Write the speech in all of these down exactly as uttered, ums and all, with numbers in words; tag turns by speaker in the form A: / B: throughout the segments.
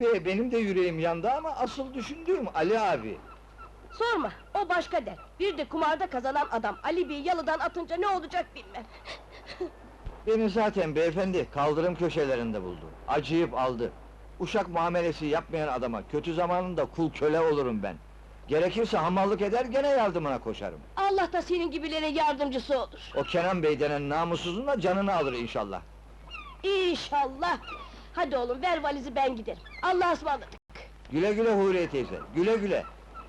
A: He, benim de yüreğim yandı ama asıl düşündüğüm Ali abi.
B: Sorma, o başka der. Bir de kumarda kazanan adam Ali Bey'i yalıdan atınca ne olacak bilmem.
A: Beni zaten beyefendi kaldırım köşelerinde buldu. Acıyıp aldı. Uşak muamelesi yapmayan adama kötü zamanında kul köle olurum ben. Gerekirse hamallık eder gene yardımına koşarım.
B: Allah da senin gibilere yardımcısı olur.
A: O Kenan Bey denen namussuzun da canını alır inşallah.
B: İnşallah! Hadi oğlum, ver valizi ben giderim. Allah'a ısmarladık!
A: Güle güle Huriye teyze, güle güle!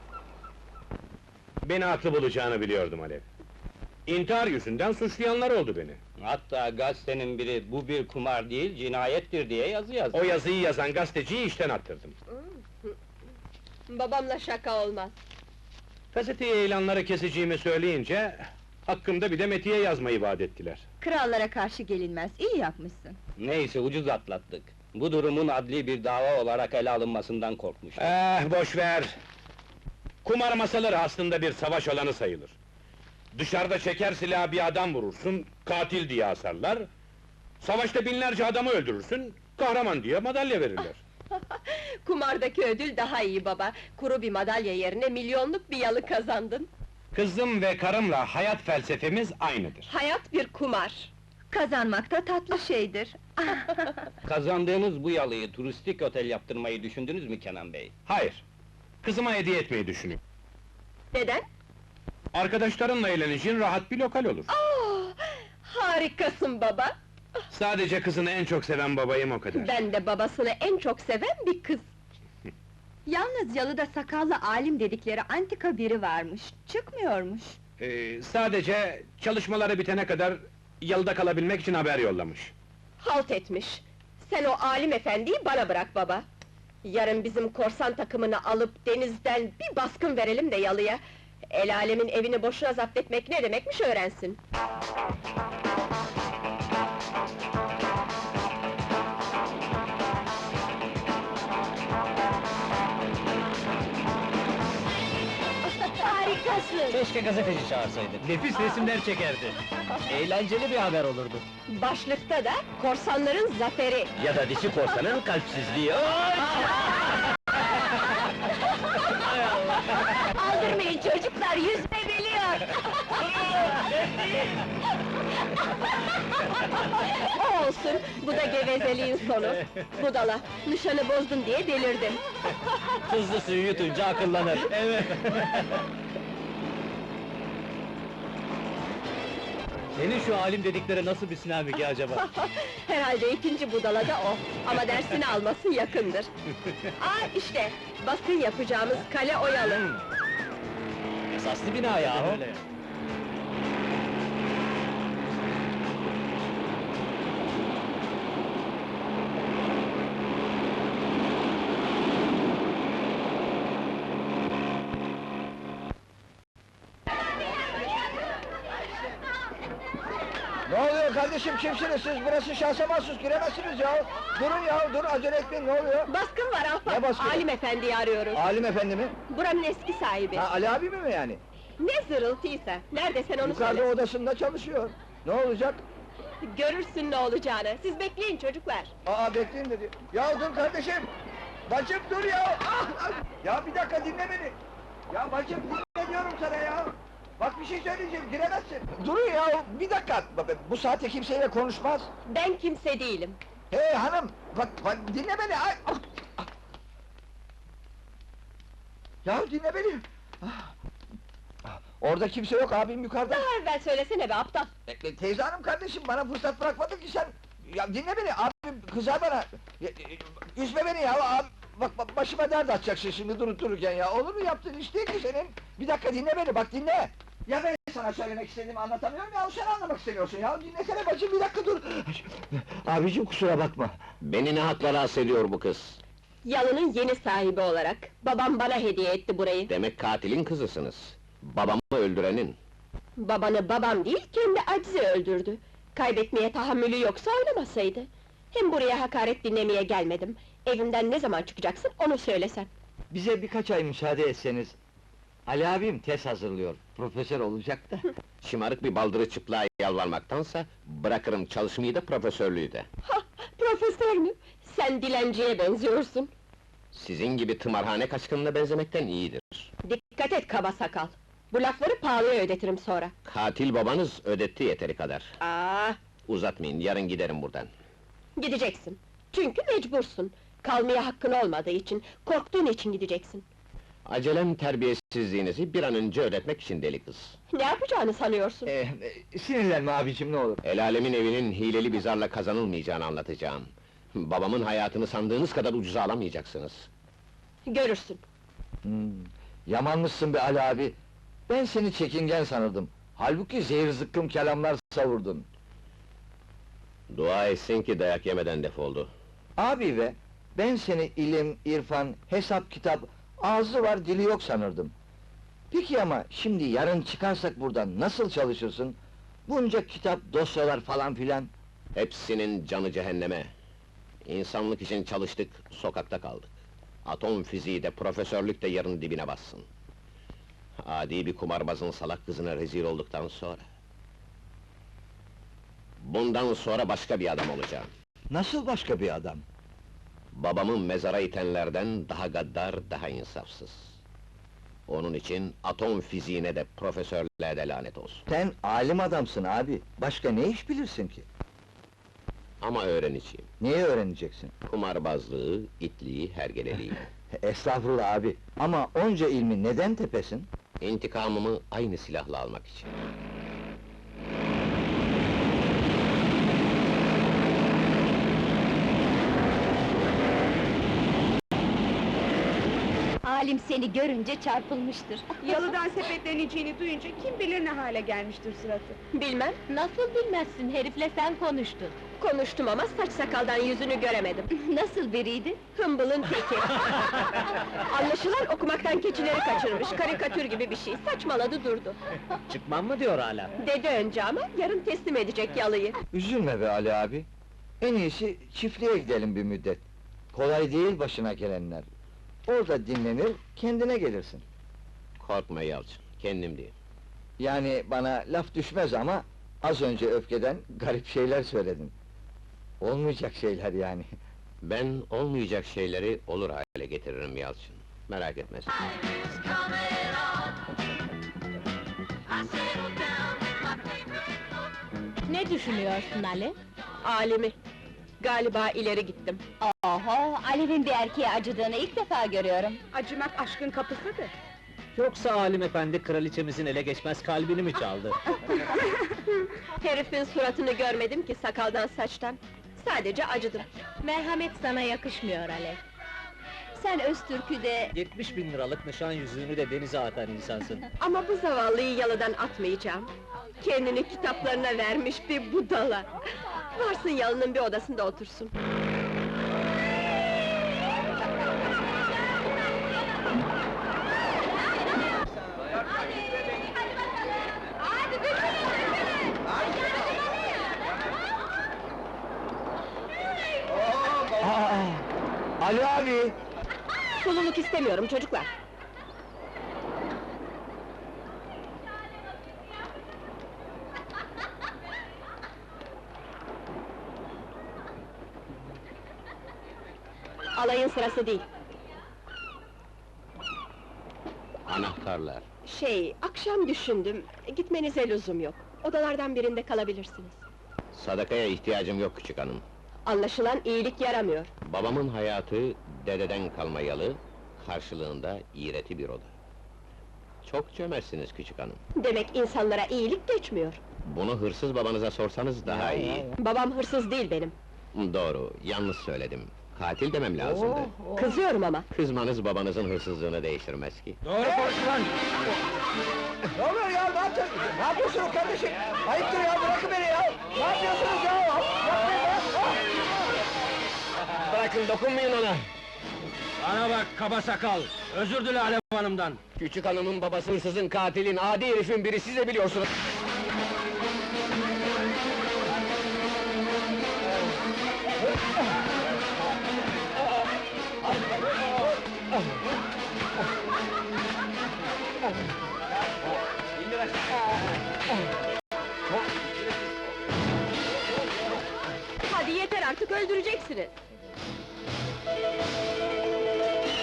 C: Beni haklı bulacağını biliyordum Alev. İntihar yüzünden suçlayanlar oldu beni.
D: Hatta gazetenin biri, bu bir kumar değil, cinayettir diye yazı yazdı.
C: O yazıyı yazan gazeteciyi işten attırdım.
B: Babamla şaka olmaz.
C: Gazeteye ilanları keseceğimi söyleyince... ...hakkımda bir de metiye yazmayı vaat ettiler.
E: Krallara karşı gelinmez, iyi yapmışsın.
D: Neyse, ucuz atlattık. Bu durumun adli bir dava olarak ele alınmasından korkmuştum.
C: Eh, boş ver! Kumar masaları aslında bir savaş alanı sayılır. Dışarıda çeker silahı bir adam vurursun, katil diye asarlar... ...savaşta binlerce adamı öldürürsün, kahraman diye madalya verirler.
B: Kumardaki ödül daha iyi baba. Kuru bir madalya yerine milyonluk bir yalı kazandın.
C: Kızım ve karımla hayat felsefemiz aynıdır.
B: Hayat bir kumar.
E: Kazanmak da tatlı şeydir.
D: Kazandığınız bu yalıyı turistik otel yaptırmayı düşündünüz mü Kenan Bey?
C: Hayır! Kızıma hediye etmeyi düşünüyorum.
B: Neden?
C: Arkadaşlarınla eğleneceğin rahat bir lokal olur.
B: Aa, harikasın baba!
C: Sadece kızını en çok seven babayım o kadar.
B: Ben de babasını en çok seven bir kız.
E: Yalnız yalıda sakallı alim dedikleri antika biri varmış, çıkmıyormuş.
C: Ee, sadece çalışmaları bitene kadar... ...yalıda kalabilmek için haber yollamış.
B: Halt etmiş! Sen o alim efendiyi bana bırak baba! Yarın bizim korsan takımını alıp denizden bir baskın verelim de yalıya... ...el alemin evini boşuna zapt etmek ne demekmiş öğrensin! Harikasın!
F: Keşke gazeteci çağırsaydık. Nefis resimler çekerdi. Eğlenceli bir haber olurdu.
B: Başlıkta da korsanların zaferi!
F: Ya da dişi korsanın kalpsizliği.
B: Aldırmayın çocuklar, yüzme biliyor! O olsun, bu da gevezeliğin sonu. Budala, nişanı bozdun diye delirdim.
F: Tuzlu suyu yutunca akıllanır. Evet. Senin şu alim dedikleri nasıl bir sinamiki acaba?
B: Herhalde ikinci budala da o, ama dersini alması yakındır. Aa işte, baskın yapacağımız kale oyalı.
F: Esaslı bina yahu. Öyle.
A: Ne oluyor kardeşim, kimsiniz siz? Burası şahsa mahsus, giremezsiniz ya! Durun ya, dur, acele etmeyin, ne oluyor?
B: Baskın var ahbap,
A: Ne baskını?
B: alim efendiyi arıyoruz.
A: Alim efendi mi?
B: Buranın eski sahibi.
A: Ha, Ali abi mi mi yani?
B: Ne zırıltıysa, nerede sen onu
A: Yukarıda
B: söyle.
A: odasında çalışıyor. Ne olacak?
B: Görürsün ne olacağını, siz bekleyin çocuklar.
A: Aa, bekleyin dedi. Ya dur kardeşim! Bacım dur ya! Ah, ah! Ya bir dakika dinle beni! Ya bacım dinle diyorum sana ya! Bak bir şey söyleyeceğim, giremezsin! Durun ya, bir dakika! Bu saatte kimseyle konuşmaz!
B: Ben kimse değilim.
A: Hey hanım! Bak, bak dinle beni! Ay, ah, ah! Ya dinle beni! Ah! Ah, orada kimse yok, abim yukarıda!
B: Daha evvel söylesene be aptal!
A: E, teyze hanım kardeşim, bana fırsat bırakmadın ki sen! Ya dinle beni, abim kızar bana! Ya, e, üzme beni ya, abi! Bak, bak başıma dert açacaksın şimdi durup dururken ya, olur mu yaptığın iş değil ki senin? Bir dakika dinle beni, bak dinle! Ya ben sana söylemek istediğimi anlatamıyorum ya, sen anlamak istemiyorsun ya, dinlesene bacım, bir dakika dur! Abicim kusura bakma!
D: Beni ne hakla rahatsız ediyor bu kız?
B: Yalının yeni sahibi olarak, babam bana hediye etti burayı.
D: Demek katilin kızısınız. Babamı öldürenin.
B: Babanı babam değil, kendi acizi öldürdü. Kaybetmeye tahammülü yoksa oynamasaydı. Hem buraya hakaret dinlemeye gelmedim. Evimden ne zaman çıkacaksın, onu söylesen.
A: Bize birkaç ay müsaade etseniz... Ali abim tez hazırlıyor, profesör olacak da.
D: Şımarık bir baldırı çıplığa yalvarmaktansa... ...bırakırım çalışmayı da profesörlüğü de.
B: Ha, profesör mü? Sen dilenciye benziyorsun.
G: Sizin gibi tımarhane kaçkınına benzemekten iyidir.
B: Dikkat et kaba sakal! Bu lafları pahalıya ödetirim sonra.
G: Katil babanız ödetti yeteri kadar.
B: Aa,
G: Uzatmayın, yarın giderim buradan.
B: gideceksin. Çünkü mecbursun. Kalmaya hakkın olmadığı için, korktuğun için gideceksin.
G: Acelem terbiyesizliğinizi bir an önce ödetmek için deli kız.
B: Ne yapacağını sanıyorsun?
A: Ee, e, sinirlenme abicim, ne olur.
G: El alemin evinin hileli bir zarla kazanılmayacağını anlatacağım. Babamın hayatını sandığınız kadar ucuza alamayacaksınız.
B: Görürsün.
A: Hmm, yamanmışsın be Ali abi. Ben seni çekingen sanırdım. Halbuki zehir zıkkım kelamlar savurdun.
G: Dua etsin ki dayak yemeden defoldu.
A: Abi be, ben seni ilim, irfan, hesap, kitap, ağzı var dili yok sanırdım. Peki ama şimdi yarın çıkarsak buradan nasıl çalışırsın? Bunca kitap, dosyalar falan filan.
G: Hepsinin canı cehenneme. İnsanlık için çalıştık, sokakta kaldık. Atom fiziği de, profesörlük de yarın dibine bassın. Adi bir kumarbazın salak kızına rezil olduktan sonra... Bundan sonra başka bir adam olacağım.
A: Nasıl başka bir adam?
G: Babamı mezara itenlerden daha gaddar, daha insafsız. Onun için atom fiziğine de, profesörlüğe de lanet olsun.
A: Sen alim adamsın abi, başka ne iş bilirsin ki?
G: Ama öğreneceğim.
A: Neyi öğreneceksin?
G: Kumarbazlığı, itliği, hergeleliği.
A: Estağfurullah abi, ama onca ilmi neden tepesin?
G: İntikamımı aynı silahla almak için.
E: Alim seni görünce çarpılmıştır.
H: Yalıdan sepetleneceğini duyunca kim bilir ne hale gelmiştir suratı.
B: Bilmem,
E: Nasıl bilmezsin, herifle sen konuştun.
B: konuştum ama saç sakaldan yüzünü göremedim.
E: Nasıl biriydi?
B: Hımbılın teki! Anlaşılan okumaktan keçileri kaçırmış, karikatür gibi bir şey, saçmaladı durdu.
F: Çıkmam mı diyor hala?
B: Dedi önce ama, yarın teslim edecek yalıyı.
A: Üzülme be Ali abi. En iyisi çiftliğe gidelim bir müddet. Kolay değil başına gelenler. Orada dinlenir, kendine gelirsin.
G: Korkma Yalçın, kendim değil.
A: Yani bana laf düşmez ama... ...az önce öfkeden garip şeyler söyledin. Olmayacak şeyler yani.
G: Ben olmayacak şeyleri olur hale getiririm Yalçın. Merak etme sen.
E: Ne düşünüyorsun Ali?
B: Alimi! Galiba ileri gittim.
E: Oho, Alev'in bir erkeğe acıdığını ilk defa görüyorum.
H: Acımak aşkın kapısıdır.
F: Yoksa Alim efendi kraliçemizin ele geçmez kalbini mi çaldı?
B: Herifin suratını görmedim ki sakaldan saçtan. Sadece acıdım.
E: Merhamet sana yakışmıyor Alev. Sen Öztürk'ü de...
F: yetmiş bin liralık nişan yüzüğünü de denize atan insansın.
B: Ama bu zavallıyı yalıdan atmayacağım. Kendini kitaplarına vermiş bir budala. Varsın yalının bir odasında otursun.
A: Aa, Ali abi!
B: Sululuk istemiyorum çocuklar. Alayın sırası değil.
G: Anahtarlar.
B: Şey, akşam düşündüm, gitmenize lüzum yok. Odalardan birinde kalabilirsiniz.
G: Sadakaya ihtiyacım yok küçük hanım.
B: Anlaşılan iyilik yaramıyor.
G: Babamın hayatı dededen kalma yalı, karşılığında iğreti bir oda. Çok cömertsiniz küçük hanım.
B: Demek insanlara iyilik geçmiyor.
G: Bunu hırsız babanıza sorsanız daha iyi.
B: Babam hırsız değil benim.
G: Doğru, yanlış söyledim. Katil demem lazımdı.
B: Kızıyorum ama.
G: Kızmanız babanızın hırsızlığını değiştirmez ki.
C: Doğru konuş lan!
A: Ne oluyor ya, ne yaptın? Ne yapıyorsunuz kardeşim? Ayıptır ya, bırakın beni ya! Ne yapıyorsunuz ya? Yapmayın ya!
G: Bırakın, dokunmayın ona!
C: Bana bak kaba sakal! Özür dile Alev Hanım'dan!
G: Küçük hanımın babası hırsızın, katilin, adi herifin biri, siz de biliyorsunuz!
B: Hadi yeter artık, öldüreceksiniz!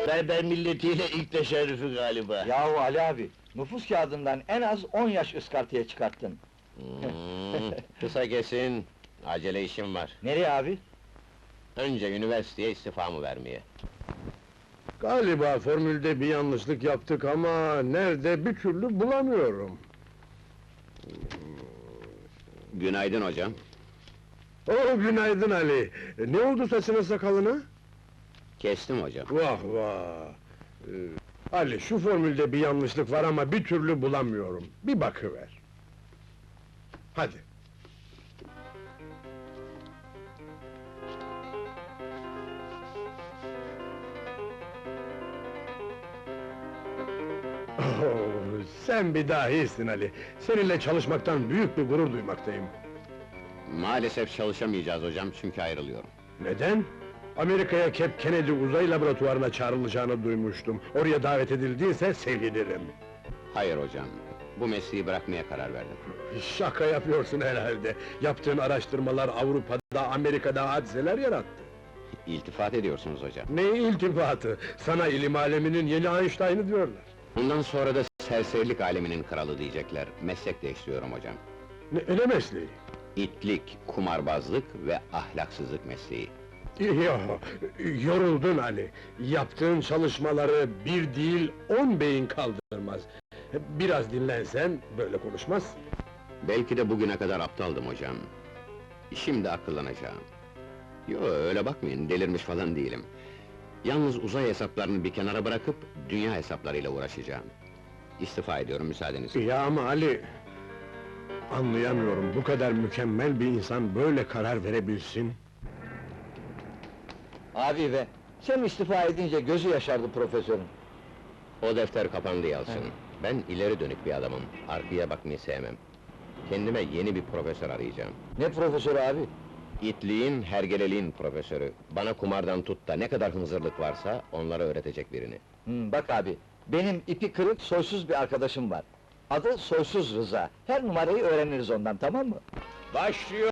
I: berber milletiyle ilk teşerrüfü galiba.
A: Yahu Ali abi, nüfus kağıdından en az on yaş ıskartaya çıkarttın.
G: Hmm, kısa kesin, acele işim var.
A: Nereye abi?
G: Önce üniversiteye istifamı vermeye.
J: Galiba formülde bir yanlışlık yaptık ama nerede bir türlü bulamıyorum.
G: Günaydın hocam.
J: Oh, günaydın Ali! Ne oldu saçına sakalına?
G: Kestim hocam.
J: Vah vah! Ee, Ali, şu formülde bir yanlışlık var ama bir türlü bulamıyorum. Bir bakıver. Hadi. Oh, sen bir dahisin Ali. Seninle çalışmaktan büyük bir gurur duymaktayım.
G: Maalesef çalışamayacağız hocam çünkü ayrılıyorum.
J: Neden? Amerika'ya Cape Kennedy uzay laboratuvarına çağrılacağını duymuştum. Oraya davet edildiyse sevinirim.
G: Hayır hocam, bu mesleği bırakmaya karar verdim.
J: Şaka yapıyorsun herhalde. Yaptığın araştırmalar Avrupa'da, Amerika'da hadiseler yarattı.
G: İltifat ediyorsunuz hocam.
J: Ne iltifatı? Sana ilim aleminin yeni Einstein'ı diyorlar.
G: Bundan sonra da serserilik aleminin kralı diyecekler. Meslek değiştiriyorum hocam.
J: Ne, ne mesleği?
G: İtlik, kumarbazlık ve ahlaksızlık mesleği.
J: Yo, yoruldun Ali. Yaptığın çalışmaları bir değil on beyin kaldırmaz. Biraz dinlensen böyle konuşmazsın.
G: Belki de bugüne kadar aptaldım hocam. Şimdi akıllanacağım. Yo, öyle bakmayın, delirmiş falan değilim. Yalnız uzay hesaplarını bir kenara bırakıp dünya hesaplarıyla uğraşacağım. İstifa ediyorum müsaadenizle.
J: Ya ama Ali... Anlayamıyorum, bu kadar mükemmel bir insan böyle karar verebilsin.
A: Abi be, sen istifa edince gözü yaşardı profesörün.
G: O defter kapandı Yalçın. Ben ileri dönük bir adamım, arkaya bakmayı sevmem. Kendime yeni bir profesör arayacağım.
A: Ne profesörü abi?
G: İtliğin, hergeleliğin profesörü. Bana kumardan tut da ne kadar hınzırlık varsa onlara öğretecek birini.
A: Hmm, bak abi, benim ipi kırık, soysuz bir arkadaşım var. Adı Soysuz Rıza. Her numarayı öğreniriz ondan, tamam mı?
C: Başlıyor